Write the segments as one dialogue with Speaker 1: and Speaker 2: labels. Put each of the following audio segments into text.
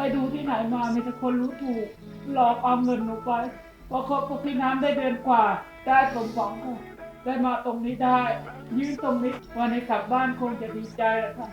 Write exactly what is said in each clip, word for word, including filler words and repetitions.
Speaker 1: ดูที่ไหนมามีแต่คนรู้ถูกหลอกเอาเงินหนูไปพอคบกับพี่น้ำได้เดือนกว่าได้สมหวังค่ะได้มาตรงนี้ได้ยืนตรงนี้วันนี้กลับบ้านคงจะดีใจแล้วค่ะ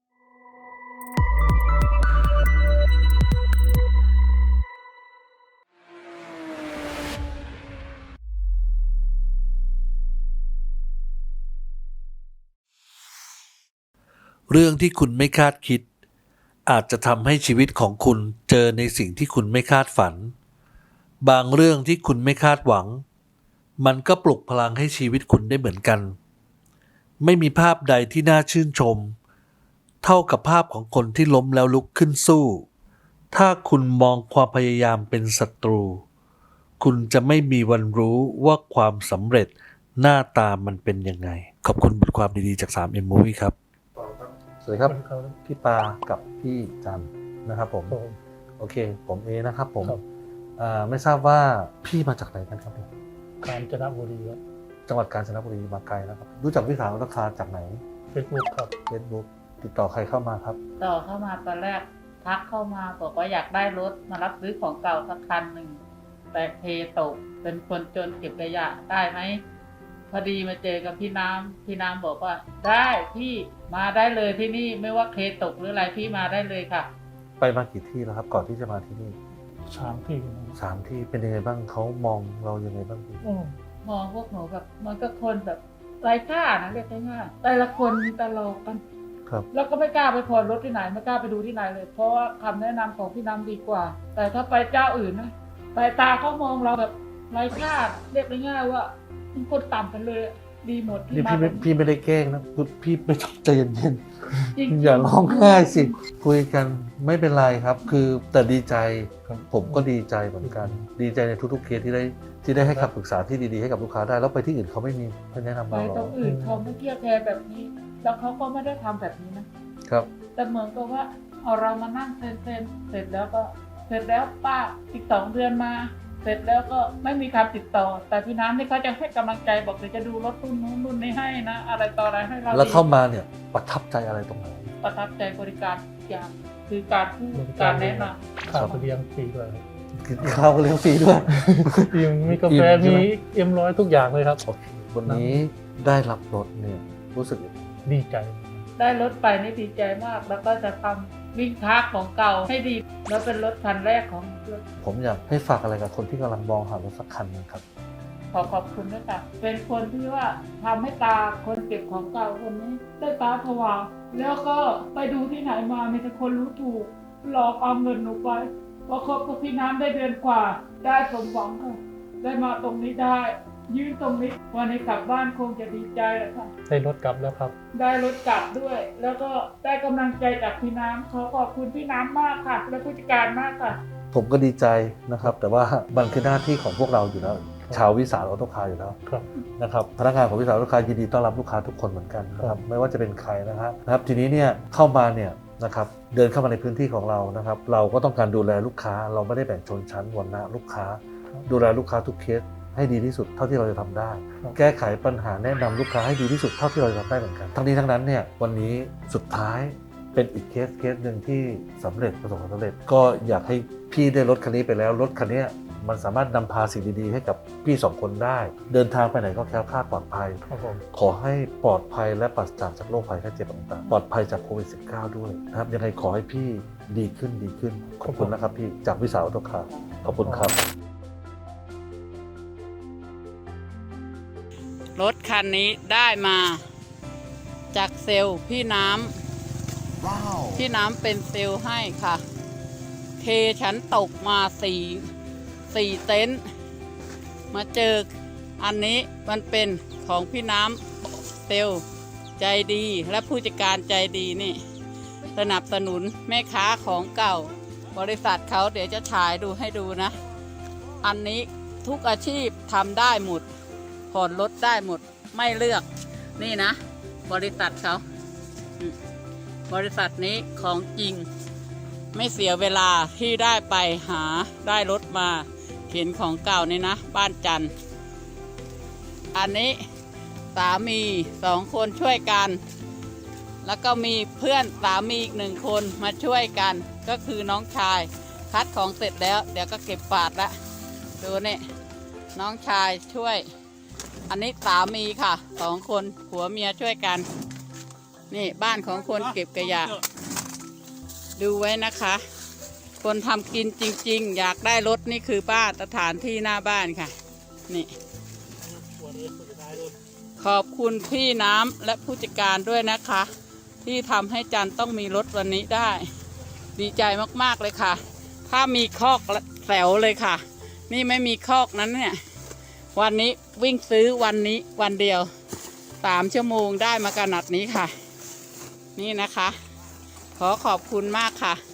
Speaker 2: เรื่องที่คุณไม่คาดคิดอาจจะทำให้ชีวิตของคุณเจอในสิ่งที่คุณไม่คาดฝันบางเรื่องที่คุณไม่คาดหวังมันก็ปลุกพลังให้ชีวิตคุณได้เหมือนกันไม่มีภาพใดที่น่าชื่นชมเท่ากับภาพของคนที่ล้มแล้วลุกขึ้นสู้ถ้าคุณมองความพยายามเป็นศัตรูคุณจะไม่มีวันรู้ว่าความสำเร็จหน้าตามันเป็นยังไงขอบคุณบทความดีๆจาก ทรี เอ็ม Movie ครับสวัสดีครับพี่ปากับพี่จันนะครับผมโอเคผมเอนะครับผมไม่ทราบว่าพี่มาจากไหนกันครับผม
Speaker 3: กาญจนบุรีครับ
Speaker 2: จังหวัดกาญจนบุรีมาไกลนะครับรู้จักพี่สาวราคาจากไหน
Speaker 3: Facebook ครับ
Speaker 2: Facebook ติดต่อใครเข้ามาครับ
Speaker 1: ต่อเข้ามาตอนแรกทักเข้ามาบอกว่าอยากได้รถมารับซื้อของเก่าสักคันหนึ่งแต่เทตกเป็นคนจนเก็บขยะได้ไหมพอดีมาเจอกับพี่น้ำพี่น้ำบอกว่าได้พี่มาได้เลยที่นี่ไม่ว่าเคตกหรืออะไรพี่มาได้เลยค่ะ
Speaker 2: ไปมากี่ที่แล้วครับก่อนที่จะมาที่นี่
Speaker 3: สามที่
Speaker 2: สามที่เป็นยังไงบ้างเขามองเรายังไงบ้างพี่
Speaker 1: มองพวกหนูแบบมันก็คนแบบไร้ค่านะเรียกง่ายๆแต่ละคนมีตลกกัน
Speaker 2: ครับ
Speaker 1: แล้วก็ไม่กล้าไปผ่อนรถที่ไหนไม่กล้าไปดูที่ไหนเลยเพราะว่าคำแนะนำของพี่น้ำดีกว่าแต่ถ้าไปเจ้าอื่นนะสายตาเขามองเราแบบไร้ค่าเรียกง่ายๆว่าเป็นคนต่ำกันเลยดีหมดที่
Speaker 2: นี่
Speaker 1: มา
Speaker 2: พี่พี่ไม่ได้แกล้งนะพี่ไม่ต้องใจเย็นๆอย่าร้องไห้สิคุยกันไม่เป็นไรครับคือแต่ดีใจผมก็ดีใจเหมือนกันดีใจในทุกๆเคสที่ได้ที่ได้ให้คำปรึกษาที่ดีๆให้กับลูกค้าได้แล้วไปที่อื่นเขาไม่มีแนะนำเราหรอก
Speaker 1: ไปตรงอื่นเขาไม่เที่ยวแทนแบบนี้แล้วเขาก็ไม่ได้ทำแบบนี้นะครับแต่เหมือนกับว่าเอาเรามานั่งเซ็นเซ็นเสร็จแล้วก็เสร็จแล้วป้าอีกสองเดือนมาเสร็จแล้วก็ไม่มีการติดต่อแต่พี่น้ำนี่เขาจะให้กำลังใจบอกเดี๋ยวจะดูรถรุ่นนู้นรุ่นนี้ให้นะอะไรต่ออะไรให้เรา
Speaker 2: แล้วเข้ามาเนี่ยประทับใจอะไรตรงไหน
Speaker 1: ประทับใจบริการอย่างคือการพูดการแนะน
Speaker 3: ำข้าวเลี้ยงฟรีด้วย
Speaker 2: กินข้าวเลี้ยงฟรีด้วย
Speaker 3: มีกาแฟมีเอ็มร้อยทุกอย่างเลยครับ
Speaker 2: วันนี้ได้รับรถเนี่ยรู้สึก
Speaker 3: ดีใจ
Speaker 1: ได้รถไปนี่ดีใจมากแล้วก็จะทำวิ่งทักของเก่าให้ดีแล้วเป็นรถคันแรกของเพื่อน
Speaker 2: ผมอยากให้ฝากอะไรกับคนที่กำลังมองหารถสักคันนึงครับ
Speaker 1: ขอขอบคุณด้วยค่ะเป็นคนที่ว่าทำให้ตาคนเก็บของเก่าคนนี้ได้ตาผวาแล้วก็ไปดูที่ไหนมามีแต่คนรู้ถูกหลอกเอาเงินหนูไปพอคบกับพี่น้ำได้เดือนกว่าได้สมหวังค่ะได้มาตรงนี้ได้ยืนตรงนี้วันนี้กลับบ้านคงจะดีใจแล้วค่ะ
Speaker 3: ได้รถกลับแล้วครับ
Speaker 1: ได้รถกลับด้วยแล้วก็ได้กำลังใจจากพี่น้ำขอขอบคุณพี่น้ำมากค่ะและผู้จัดการมากค่ะ
Speaker 2: ผมก็ดีใจนะครับแต่ว่ามันคือหน้าที่ของพวกเราอยู่แล้วชาววิสาหออโต้คาร์อยู่แล้วนะครับพนักงานของวิสาหออโต้คาร์ยินดีต้อนรับลูกค้าทุกคนเหมือนกันนะครับไม่ว่าจะเป็นใครนะครับนะครับทีนี้เนี่ยเข้ามาเนี่ยนะครับเดินเข้ามาในพื้นที่ของเรานะครับเราก็ต้องการดูแลลูกค้าเราไม่ได้แบ่งชนชั้นวรรณะลูกค้าดูแลลูกค้าทุกเคสให้ดีที่สุดเท่าที่เราจะทำได้แก้ไขปัญหาแนะนำลูกค้าให้ดีที่สุดเท่าที่เราจะทำได้เหมือนกันทั้งนี้ทั้งนั้นเนี่ยวันนี้สุดท้ายเป็นอีกเคสเคสหนึ่งที่สำเร็จประสบความสำเร็จก็อยากให้พี่ได้รถคันนี้ไปแล้วรถคันนี้มันสามารถนำพาสิ่งดีๆให้กับพี่สองคนได้เดินทางไปไหนก็แคล้วคลาดปลอดภัยขอให้ปลอดภัยและปราศจากจากโรคภัยไข้เจ็บต่างๆปลอดภัยจากโควิด สิบเก้า ด้วยนะครับยังไงขอให้พี่ดีขึ้นดีขึ้นขอบคุณนะครับพี่จากวิสาหออโต้คาร์ขอบคุณครับ
Speaker 1: รถคันนี้ได้มาจากเซลล์พี่น้ำ wow. พี่น้ำเป็นเซลล์ให้ค่ะเทฉันตกมาสี่สี่เต็นท์มาเจออันนี้มันเป็นของพี่น้ำเซลล์ใจดีและผู้จัดการใจดีนี่สนับสนุนแม่ค้าของเก่าบริษัทเขาเดี๋ยวจะฉายดูให้ดูนะอันนี้ทุกอาชีพทำได้หมดผ่อนรถได้หมดไม่เลือกนี่นะบริษัทเขาบริษัทนี้ของจริงไม่เสียเวลาที่ได้ไปหาได้รถมาเข็นของเก่านี่นะบ้านจันทร์อันนี้สามีสองคนช่วยกันแล้วก็มีเพื่อนสามีอีกหนึ่งคนมาช่วยกันก็คือน้องชายคัดของเสร็จแล้ว เดี๋ยวก็เก็บปาดละดูนี่น้องชายช่วย อันนี้สามีค่ะสองคนผัวเมียช่วยกัน นี่บ้านของคนเก็บขยะดูไว้นะคะ คนทำกินจริงๆอยากได้รถนี่คือบ้านสถานที่หน้าบ้านค่ะนี่ขอบคุณพี่น้ำและผู้จัดการด้วยนะคะ ที่ทำให้จันต้องมีรถวันนี้ได้ ดีใจมากๆเลยค่ะ ถ้ามีคอกแถวเลยค่ะ นี่ไม่มีคอกนั้นเนี่ยวันนี้วิ่งซื้อวันนี้วันเดียวสามชั่วโมงได้มาขนาดนี้ค่ะ นี่นะคะ ขอขอบคุณมากค่ะ